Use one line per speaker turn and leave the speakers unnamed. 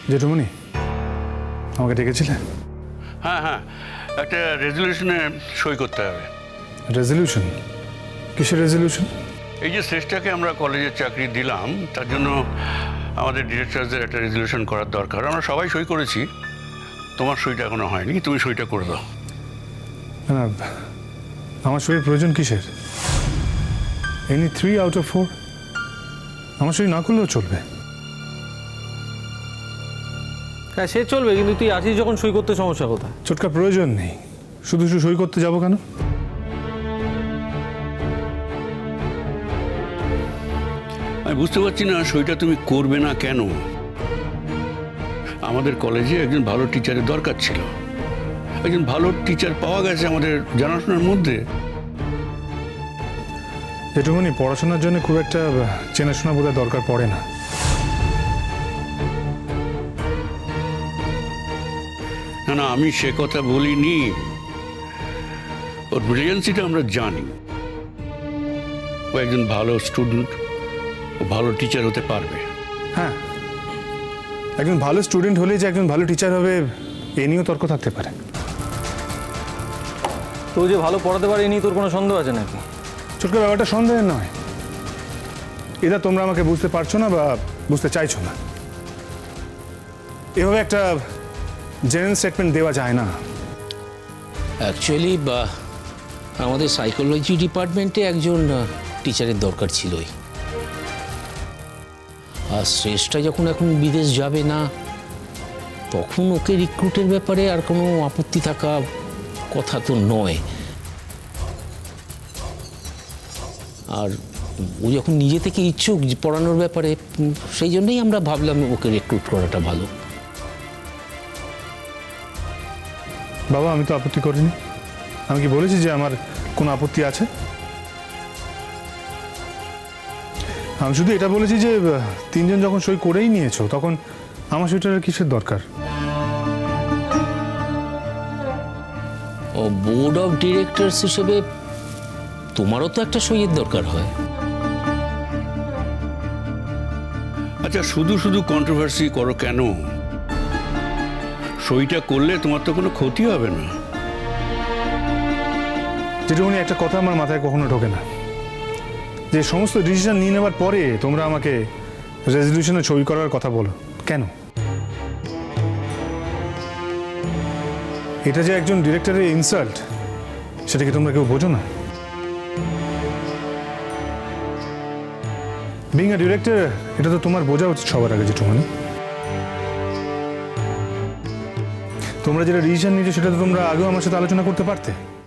জেঠুমনি আমাকে ডেকেছিলে?
হ্যাঁ হ্যাঁ, একটা রেজলিউশনে সই করতে হবে।
রেজলিউশন? কিসের রেজলিউশন?
এই যে শ্রেষ্ঠাকে আমরা কলেজের চাকরি দিলাম, তার জন্য আমাদের ডিরেক্টরদের একটা রেজলিউশন করার দরকার। আমরা সবাই সই করেছি, তোমার সইটা এখনো হয়নি, তুমি সইটা করে দাও।
না, আমার সইয়ের প্রয়োজন কিসের? এনি 3 out of 4 আমার সই না করলেও চলবে।
হ্যাঁ সে চলবে, কিন্তু তুই আছিস যখন সই করতে সমস্যা কোথায়?
ছোটকা প্রয়োজন নেই, শুধু শুধু সই করতে যাবো কেন?
আমি বুঝতে পারছি না সইটা তুমি করবে না কেন। আমাদের কলেজে একজন ভালো টিচারের দরকার ছিল, একজন ভালো টিচার পাওয়া গেছে আমাদের জানাশোনার মধ্যে।
জেঠুমনি পড়াশোনার জন্য খুব একটা চেনাশোনা বোধহয় দরকার পড়ে না।
না না, আমি সে কথা বলিনি। ওর ব্রিলিয়েন্সিটা আমরা জানি। ও একজন ভালো স্টুডেন্ট, ও ভালো টিচার হতে পারবে।
হ্যাঁ, একজন ভালো স্টুডেন্ট হলে যে একজন ভালো টিচার হবে এ নিয়েও তর্ক থাকতে পারে।
তো যে ভালো পড়াতে পারে এ নিয়ে তোর কোনো সন্দেহ আছে নাকি?
ছোটকা ব্যাপারটা সন্দেহের নয়, এটা তোমরা আমাকে বুঝতে পারছো না বা বুঝতে চাইছো না। এভাবে একটা জেনারেল স্টেটমেন্ট দেওয়া যায় না।
অ্যাকচুয়ালি আমাদের সাইকোলজি ডিপার্টমেন্টে একজন টিচারের দরকার ছিলই। আর শ্রেষ্ঠা যখন এখন বিদেশ যাবে না, তখন ওকে রিক্রুটের ব্যাপারে আর কোনো আপত্তি থাকা কথা তো নয়। আর ও যখন নিজে থেকে ইচ্ছুক পড়ানোর ব্যাপারে, সেই জন্যই আমরা ভাবলাম ওকে রিক্রুট করাটা ভালো।
বাবা, আমি তো আপত্তি করিনি। আমি কি বলেছি যে আমার কোনো আপত্তি আছে? আমি শুধু এটা বলেছি যে তিনজন যখন সই করেই নিয়েছো, তখন আমার সইটার কিসের দরকার?
ও বোর্ড অফ ডিরেক্টরস হিসেবে তোমারও তো একটা সইয়ের দরকার হয়।
আচ্ছা, শুধু শুধু কন্ট্রোভার্সি করো কেন? সইটা করলে তোমার তো কোনো ক্ষতি হবে না।
যেটুকুনি একটা কথা আমার মাথায় কখনো ঢোকে না, যে সমস্ত ডিসিশন নিয়ে নেওয়ার পরে তোমরা আমাকে রেজলিউশনে সই করার কথা বলো কেন? এটা যে একজন ডিরেক্টরের ইনসাল্ট, সেটা কি তোমরা কেউ বোঝো না? বিং আ ডিরেক্টর, এটা তো তোমার বোঝা উচিত সবার আগে। যেটুকুনি তোমরা যেটা ডিসিশন নিয়েছো, সেটা তো তোমরা আগেও আমার সাথে আলোচনা করতে পারতে।